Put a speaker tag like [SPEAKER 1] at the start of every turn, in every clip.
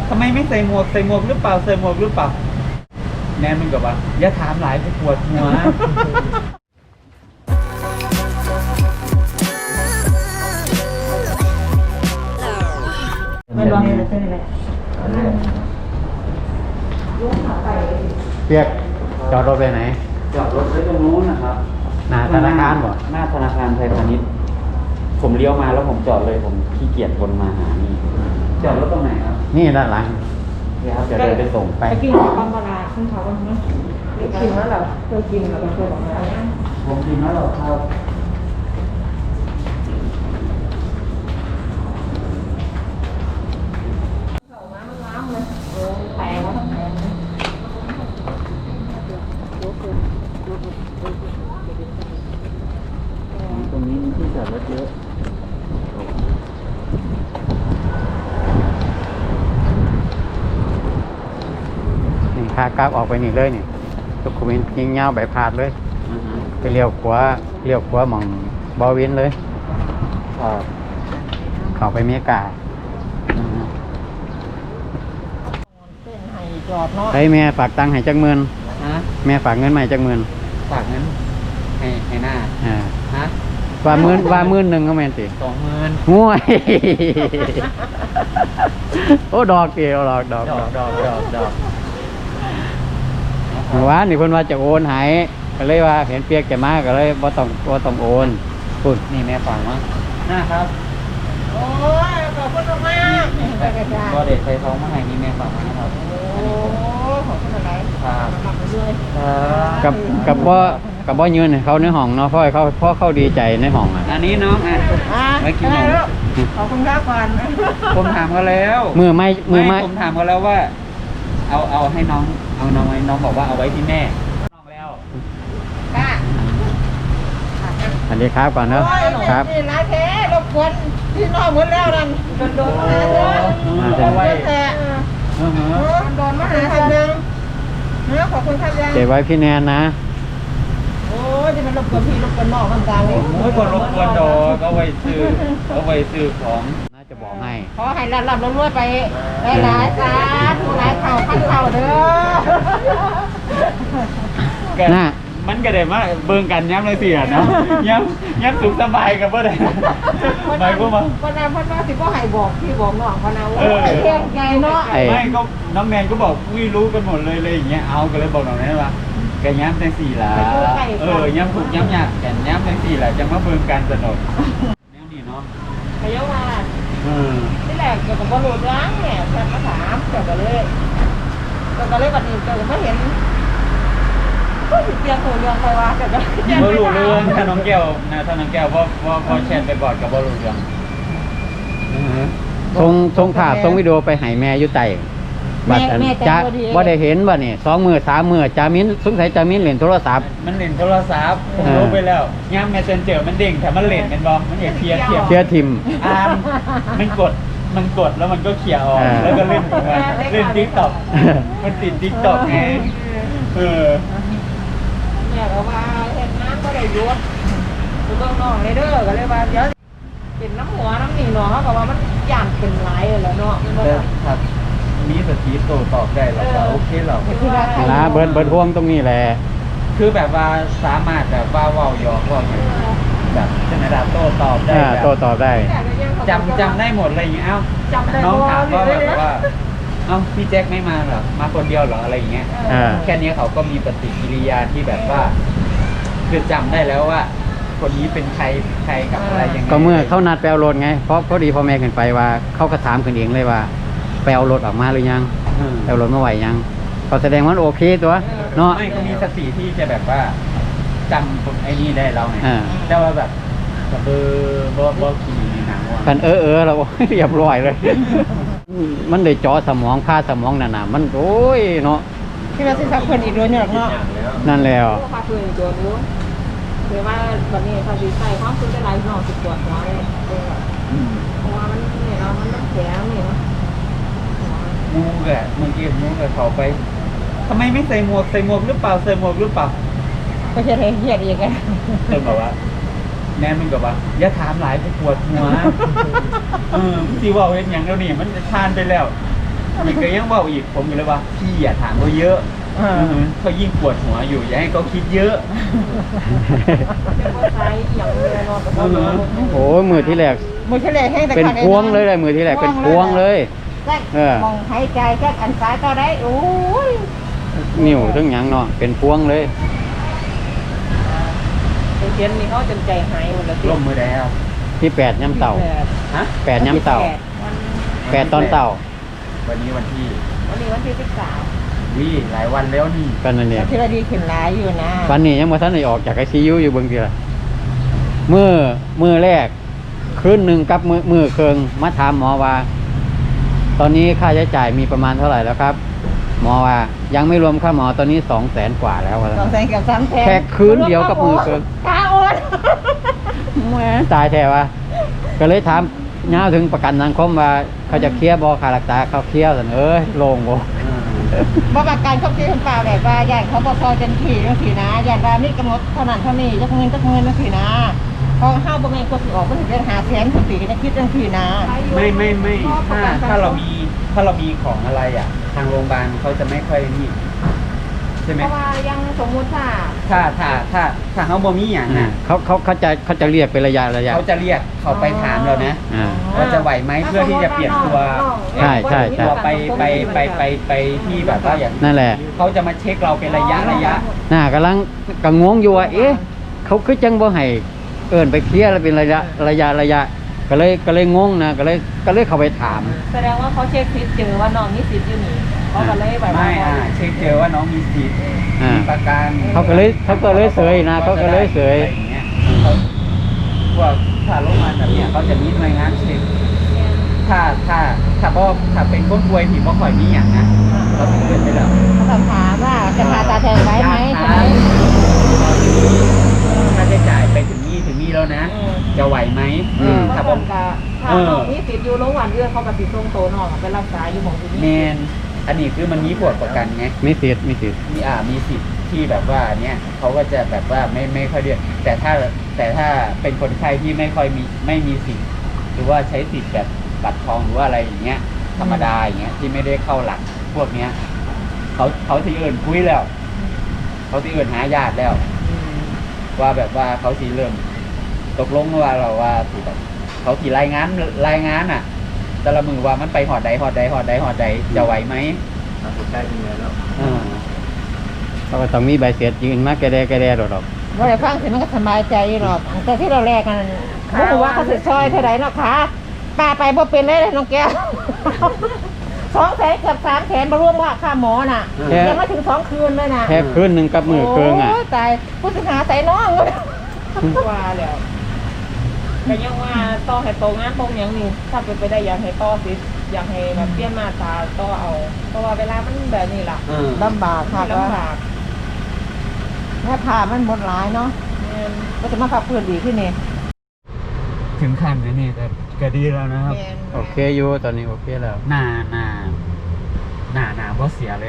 [SPEAKER 1] ทำไมไม่ใส่หมวกหรือเปล่าใส่หมวกหรือเปล่าแนนมันกับว่าอย่าถามหลายปวดหัว
[SPEAKER 2] ไม่ร้องเลยใช่ไหม
[SPEAKER 3] เปียกจอดรถไปไหน
[SPEAKER 1] จอดรถไว้ตรงนู้นนะครับ
[SPEAKER 3] หน้าธนาคารบ่
[SPEAKER 1] หน้าธนาคารไทยพาณิชย์ผมเลี้ยวมาแล้วผมจอดเลยผมขี้เกียจวนมาหานี่จอดรถตรงไหนครับ
[SPEAKER 3] นี่ด้านหลัง
[SPEAKER 1] นี่ครับเดี๋ยวเดินไปส่ง
[SPEAKER 2] ไปกินข้าวปลาขึ้นเขาบ้างไหมกินแล้วเหรอเคยกินแล้วก็เคยบอกแล้ว
[SPEAKER 1] ผมกินแล้วหรอครับตรงนี้มีที่จอดรถเยอะ
[SPEAKER 3] นี่ขากราบออกไปนี่เลยนี่ตุกขมินยิงเงาใบพาดเลยไปเลี้ยวขวาหม่องบอวินเลยเข้าไปเมียกาไอ้แม่ฝากตังค์ให้จักหมื่นแม่ฝากเงินมาให้จักหมื่น
[SPEAKER 1] ฝากเงินให้หน้าฮะ
[SPEAKER 3] ว่าหมื่นหนึ่งก็แม่นสิ
[SPEAKER 1] 20,000
[SPEAKER 3] ง่วยโอ้ดอกเดียวดอกว่านี่เพิ่นว่าจะโอนให้ก็เลยว่าเห็นเปียกแกมาก็เลยบ่ต้องโอนพูด
[SPEAKER 1] นี่แม่ฝากมั้งนะครับ
[SPEAKER 2] โอ้ยขอบคุณมาก
[SPEAKER 1] ก็เด็กใส่ท้องมาให้นี่แม่ฝากมานะครับ
[SPEAKER 2] โอ้ขอบคุณอะไร
[SPEAKER 1] ครับ
[SPEAKER 3] กับบ่ยืนให้เขาในห้องเนาะเพราะเขาดีใจในห้อง
[SPEAKER 1] อันนี้น้อง
[SPEAKER 2] ไว้กินนมขอบคุณครับก่อน
[SPEAKER 1] ผมถามเขาแล้ว
[SPEAKER 3] มือไม่
[SPEAKER 1] ผมถามเขาแล้วว่าเอาให้น้องเอาน้องไว้น้องบอกว่าเอาไว้ที่แม่น้องแล้ว
[SPEAKER 3] อันนี้ครับก่อนเนอะครับ
[SPEAKER 2] นี่ร้านแท้รบกวนพี่น้องหมดแล้วนั่นโดนมาหาเลยเอาไว้แต่โดนมาหาทำยังขอบคุณครับยัง
[SPEAKER 3] เก็บไว้พี่แนนนะ
[SPEAKER 2] โอ้ยจะมันรบกวนพี่รบกวนน้องต่างๆเลย
[SPEAKER 1] โอ้ยคนรบกวนดอกเอาไว้ซื้อของ
[SPEAKER 3] น่าจะบอกให้
[SPEAKER 2] ขอให้รับรวยไปหลายๆสาธุหลายเข่าพันเข่าเด้
[SPEAKER 1] อน่ามันก็ได้มาเบิ่งกันย้ำเลยสิอ่ะเนาะย้ำสุขสบายกันบ่ได้ไปพวกมัน
[SPEAKER 2] พนาพนาสิบ่ให้บอกพี่บอกน้องพนาว่าเที่ยงไงเนาะ
[SPEAKER 1] ไม่ก็น้องแนนก็บอกรู้กันหมดเลยอย่างเงี้ยเอาก็เลยบอกน้องแนนว่าแกย้ำจังสี่ละย้ำถูกย้ำยากแกย้ำจังสี่ละจังมาเบิ่งกันสนุกแนวนี้เนาะ
[SPEAKER 2] พยาว่าที่แรกเกี่ยวกับบ่รู้ร้างเนี่ยแฟนมาถามเกี่ยวกับเลยวันนี้เจอไม่เห็นก็เตียงหูเรื่องไปว่าแต่ก็
[SPEAKER 1] บ่รู้เรื่องถ้าน้องแก้วพอแชทไปบอกกับบ่รู้เรื่อง
[SPEAKER 3] ส่งภาพส่งวิดีโอไปให้แม่อยู่ใต้บัดจะบ่ได้เห็นบ่นี่2 มื้อ 3 มื้อจามินสงสัยจามินเล่นโทรศัพท์
[SPEAKER 1] มันเล่นโทรศัพท์ผมรู้ไปแล้วย่ำแมสเซนเจอร์มันเด้งแต่มันเล่นเป็นบ่มันอย่าเคลียร์
[SPEAKER 3] ทิม
[SPEAKER 1] มันกดแล้วมันก็เคลียร์ออกแล้วก็เล่นTikTok มันติด TikTok ไง
[SPEAKER 2] เนี่ยก็ว่าเห็นน้ำก็ได้ยุดกูต้องนอนเลยเด้อก็เลยว่าเดี๋ยวเป็นน้ำหัวน้ำหนีเนาะเขาบอกว่ามันย่างเป็นไรแล้วเนาะ
[SPEAKER 1] ครับมีสติโตตอบได้หรอโอเคหรอ
[SPEAKER 3] นะเบิร์ดห่วงตรงนี้แหละ
[SPEAKER 1] คือแบบว่าสามารถแบบว่าว่าวหยอกว่าแบบเจนดาโตตอบได้
[SPEAKER 3] โตตอบได้
[SPEAKER 1] จำได้หมดอะไรอย่างเงี้ยเอ้าน้องถามว่าแบบว่าเอ้าพี่แจ็คไม่มาหรอมาคนเดียวหรออะไรอย่างเงี้ยแค่นี้เขาก็มีปฏิกิริยาที่แบบว่าคือจำได้แล้วว่าคนนี้เป็นใครกับอะไรยังไง
[SPEAKER 3] ก็เมื่อเขานัดไปเอารถไงเพราะพอดีพ่อแม่ขึ้นไปว่าเขาก็ถามขึ้นเองเลยว่าไปเอารถออกมาหรือยังเอารถมาไหวยังเขาแสดงว่าโอเคตัวเนาะ
[SPEAKER 1] ไม่เขามีสติที่จะแบบว่าจำไอ้นี่ได้เราไงแต่ว่าแบบเบอร์ขี่หนังว่า
[SPEAKER 3] กันเราเรียบร้อยเลยมันได้จ่อสมองค่าสมองน่ะมันโอ้ยเนาะ
[SPEAKER 2] ที่เราสิทักคนอีกด้วยเนี่ยเนาะ
[SPEAKER 3] นั่นแล้ว
[SPEAKER 2] พาเพื่อนตัวนู้นหรือว่าวันนี้เขาดีใจความซื้อได้หลายหน่อสิบตัวหัวเลยเพราะว่ามันเนี่ยเรามันต้องแข็งนี่เนาะ
[SPEAKER 1] มูกอะเมื่อกี้มูกอะเขาไปทำไมไม่ใส่หมวกหรือเปล่า
[SPEAKER 2] ก็จะเฮียดอีกไง
[SPEAKER 1] บอกว่าแนนมันกับว่าอย่าถามหลายปวดหัวสิว่าเห็นอย่างเดียวนี่มันจะทานไปแล้วอีกก็ยังบอกอีกผมอยู่เลยว่าพี่อย่าถามเขาเยอะเขายิ่งปวดหัวอยู่อย่าให้เขาคิดเยอะ
[SPEAKER 2] เป็นว่าใช้อย่างเดียวนอนกับเขา
[SPEAKER 3] โอ้มือที่แรก
[SPEAKER 2] มือเฉลี่ยแห้งแต่
[SPEAKER 3] เป็นพวงเลยมือที่แรกเป็นพวงเลย
[SPEAKER 2] มองหายใจแค่อันซ้ายก็ได้โอ้ย
[SPEAKER 3] นิ้วทั้งหยังเนาะเป็นพวงเลย
[SPEAKER 2] เขียนนี่เขาจนใจหายหมดแล้ว
[SPEAKER 1] ร่มมือแล้ว
[SPEAKER 3] ที่8ย่ำเต่า
[SPEAKER 1] ฮะ
[SPEAKER 3] 8ย่ำเต่า8ตอนเต่า
[SPEAKER 1] วันนี้วันที่
[SPEAKER 2] วันที่13
[SPEAKER 1] วิหลายวันแล้วนี่
[SPEAKER 3] กันนั่นเนี่ย
[SPEAKER 2] ที่เราดีขึ้นหลายอยู่นะ
[SPEAKER 3] วันนี้ยังบ่ทันได้ออกจาก ICU อยู่เบิ่งทีละมื้อแรกคืนหนึงกับมื้อเคิงมาถามหมอว่า ตอนนี้ค่าใช้จ่ายมีประมาณเท่าไหร่แล้วครับ หมอว่ายังไม่รวมค่าหมอตอนนี้200,000 กว่าแล้วว่า
[SPEAKER 2] 200,000กับ300,000
[SPEAKER 3] แค่คืนเดียวกับมือเคิง
[SPEAKER 2] กาโอน
[SPEAKER 3] แหมตายแท้ว่าก็เลยถามย้าวถึงประกันสังคมว่าเขาจะเคลียร์บ่ค่ารักษาเขาเคลียร์ซั่นโล่งบ่
[SPEAKER 2] บ่ประกันเขาคิดเปล่าแบบว่าอย่างเขาบ่พอจังซี่จังซี่นะอย่างว่ามีกำหนดเท่านั้นเท่านี้จักเงินจังซี่นะพอเฮาบ่แม่นกดสิออกมันสิเป็น500,000จังซี่ก็จะคิดจังซี่นะ
[SPEAKER 1] ไม่ถ้าเรามีของอะไรอ่ะ ทางโรงพยาบาลเขาจะไม่ค่อยนี่ใช่ไหม
[SPEAKER 2] เพราะว่ายังสมมุติว่า
[SPEAKER 1] ถ้าเขาบ่มีอย่างน่ะ
[SPEAKER 3] เขาจะเรียกเป็นระยะ
[SPEAKER 1] เขาจะเรียกเขาไปถามเรานะ
[SPEAKER 3] อ่า
[SPEAKER 1] ว่าจะไหวไหมเพื่อที่จะเปลี่ยนตัว
[SPEAKER 3] ใช่ใช่
[SPEAKER 1] ตัวไปที่แบบว่าอย่าง
[SPEAKER 3] นั่นแหละ
[SPEAKER 1] เขาจะมาเช็คเราเป็นระยะ
[SPEAKER 3] น่ากำลังกังงอยู่ว่าเขาคือจังบ่ให้เอิ้นไปเคลียร์แล้วเป็นระยะก็เลยงงนะก็เลยเข้าไปถาม
[SPEAKER 2] แสดงว่าเขาเช็คสิทธิ์เจอว่าน้องมีสิทธิ์อยู่นี่เขาก็เลยแบบ
[SPEAKER 1] ไม่เช็คเจอว่าน้องมีสิทธิ์มีประกัน
[SPEAKER 3] เขาก็เลยเสยนะเขาก็เลยเสย
[SPEAKER 1] อะไรอย่างเงี้ยพวกถ้าโรงพยาบาลแบบเนี้ยเขาจะมีหน่วยงานเช็คถ้าเป็นคนป่วยที่บ่ค่อยมีอย่างนะเราถึงเดินไปแล้ว
[SPEAKER 2] เขาถามว่าจะพาตาแทนไว้ไหมใช่ไหม
[SPEAKER 1] ค่าใช้จ่ายไปถึงนี่แล้วนะ จะไหวไหม
[SPEAKER 2] ถ้าผมถ้าน้องมีสิทธิ์อยู่โรงพยาบาลเอื้อเขากับติดตรงโตน้องไปรักษาอยู่หม่องที่
[SPEAKER 1] แม
[SPEAKER 2] นี่
[SPEAKER 1] นอันนี้คือมันมีผลประกันไง
[SPEAKER 3] มีสิทธิ์
[SPEAKER 1] มีสิทธิ์ที่แบบว่าเนี้ยเขาก็จะแบบว่าไม่ค่อยเดือดแต่ถ้าเป็นคนไข้ที่ไม่มีสิทธิ์หรือว่าใช้สิทธิ์แบบบัตรทองหรือว่าอะไรอย่างเงี้ยธรรมดาอย่างเงี้ยที่ไม่ได้เข้าหลักพวกเนี้ยเขาที่อื่นคุยแล้วเขาที่อื่นหาญาติแล้ว ว่าแบบว่าเขาทีเริ่มตกลงว่าเราว่าสิแบบเขาทีรายงานอ่ะแต่ละมือว่ามันไปหอดใดจะไหวไหมสุดได้ยังไงแล้ว
[SPEAKER 3] เขาก็ต้องมีใบเสร็จยืนมาแกแดดอก
[SPEAKER 2] ว่าได้ฟังสิมันก็สบายใจหรอกแต่ที่เราแลกกันบ่รู้ว่าเขาสิซอยเท่าไหร่เนาะค่ะป้าไปบ่เป็นเลยน้องแก้ว200,000กับ300,000บ่รวมว่าค่าหมอน่ะยังไม่ถึง2คืนเลยน่ะ
[SPEAKER 3] แค่คืนหนึงกับมือเคิงอ่ะ
[SPEAKER 2] โอ้ยตายผู้สิหาใส่น้องว่าแล้วก็ยังว่าต่อให้โตงานตรงอย่างนี้ถ้าเป็นไปได้อยากให้ต่อสิอยากให้แบบเปลี่ยนมาตาต่อเอาเพราะว่าเวลามันแบบนี้ล่ะลำบากค่ะลำบากแค่ผ่ามันหมดหลายเนาะก็จะมาพักเพื่อนดีขึ้นนี่
[SPEAKER 1] ถึงขั้นนี้นี่แต่ก็ดีแล้วนะครับ
[SPEAKER 3] โอเคอยู่ตอนนี้โอเคแล้ว
[SPEAKER 1] หน้าบ่เสียเลย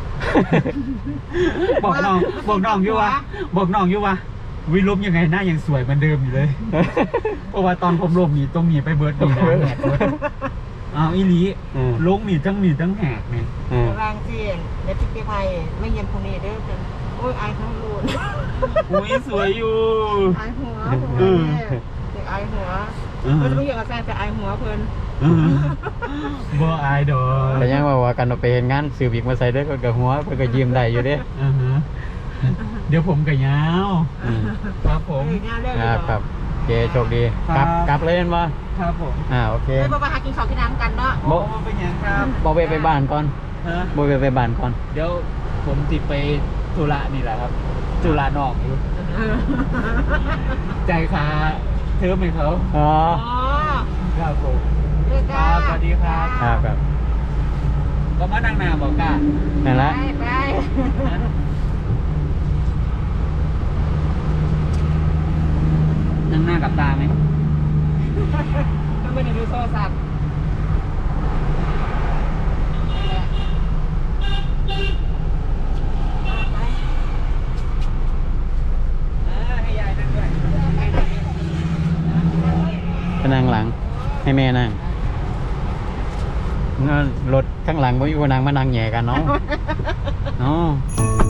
[SPEAKER 1] บอกน้องอยู่ว่าวิลมยังไงหน้ายังสวยเหมือนเดิมอยู่เลย เพราะว่าตอนผมลงนี่ต้องหนีไปเบิร์ดดีนะแหกเบิร์ดอีหลีลงนี่ทั้งแหกนี่
[SPEAKER 2] รางเจียนเดี๋ยวพี่ไปไม่เย็นพรุ่งนี้เด้อกันโอ้ยไอทั้งรูน
[SPEAKER 1] อุ้ยสวยอยู่
[SPEAKER 2] ไอหัวเด็กไอหัวเราจะไม่อยากแซงแต่ไอหัวเพิ่น
[SPEAKER 1] บ่อายดอก
[SPEAKER 3] แต่ยังว่ากันเอาไปเห็นงานสืบอีกมาใส่ได้ก็หัวเพิ่นก็ยิ้มได้อยู่เด้
[SPEAKER 1] เดี๋ยวผมกับยาวครับผม
[SPEAKER 3] ครับโอเคโชคดีกลับเลยเห็นบ่
[SPEAKER 1] ครับผม
[SPEAKER 3] โอเค
[SPEAKER 2] ไปบ่หากินข้าวกินน้ำกันเนาะ
[SPEAKER 1] บ่เป็นยังครับ
[SPEAKER 3] บ่ไปบ้านก่อน
[SPEAKER 1] ฮะ
[SPEAKER 3] บ่ไปบ้านก่อน
[SPEAKER 1] เดี๋ยวผมติดไปธุระนี่แหละครับธุระนอกอยู่ใจคาเทิมให้เขา
[SPEAKER 3] อ๋อ
[SPEAKER 1] ครับผม
[SPEAKER 2] ครับ
[SPEAKER 1] สวัสดีครับ
[SPEAKER 3] ครับ
[SPEAKER 1] ก็มานั่งหน้าบอกกล้า
[SPEAKER 3] นั่นละ
[SPEAKER 2] ไป
[SPEAKER 1] นั่งหน้ากับตาไหม
[SPEAKER 2] ก็ไม่ได้ดูโทรศัพท์
[SPEAKER 1] ให้ยายนั่งด้วย
[SPEAKER 3] ไปนั่งหลังให้แม่นั่งรถข้างหลังหลังบ่มีคนนั่งมานั่งแหย่กันเนาะเนาะ